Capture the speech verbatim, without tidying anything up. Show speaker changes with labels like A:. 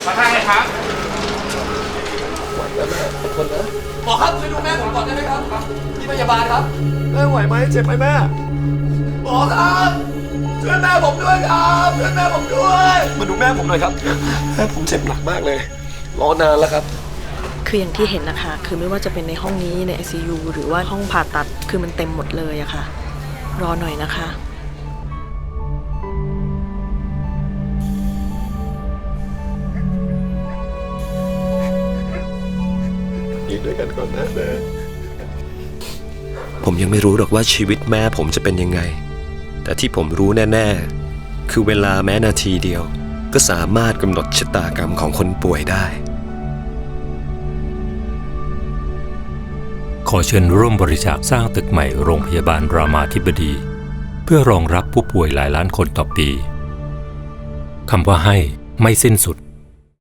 A: มาทางไหนครับ
B: ไหวแล้วแม่อดทนนะ
C: หมอครับช่วยดูแม่ผมก่อนได้ไหมครับครับที่พยาบาลครับ
B: แม่ไหวไหมเจ็บไหมแม่
C: หมอครับช่วยแม่ผมด้วยครับช่วยแม่ผมด้วย
B: มาดูแม่ผมหน่อยครับแม่ผมเจ็บหนักมากเลยรอนานแล้วครับ
D: คืออย่างที่เห็นนะคะ คือไม่ว่าจะเป็นในห้องนี้ใน ไอ ซี ยู หรือว่าห้องผ่าตัด คือมันเต็มหมดเลยอะค่ะ รอหน่อยนะคะ
B: ยืนด้วยกันก่อนนะแม่
E: ผมยังไม่รู้หรอกว่าชีวิตแม่ผมจะเป็นยังไง แต่ที่ผมรู้แน่ๆ คือเวลาแม้นาทีเดียว ก็สามารถกำหนดชะตากรรมของคนป่วยได้
F: ขอเชิญร่วมบริจาคสร้างตึกใหม่โรงพยาบาลรามาธิบดี เพื่อรองรับผู้ป่วยหลายล้านคนต่อปีคำว่าให้ไม่สิ้นสุด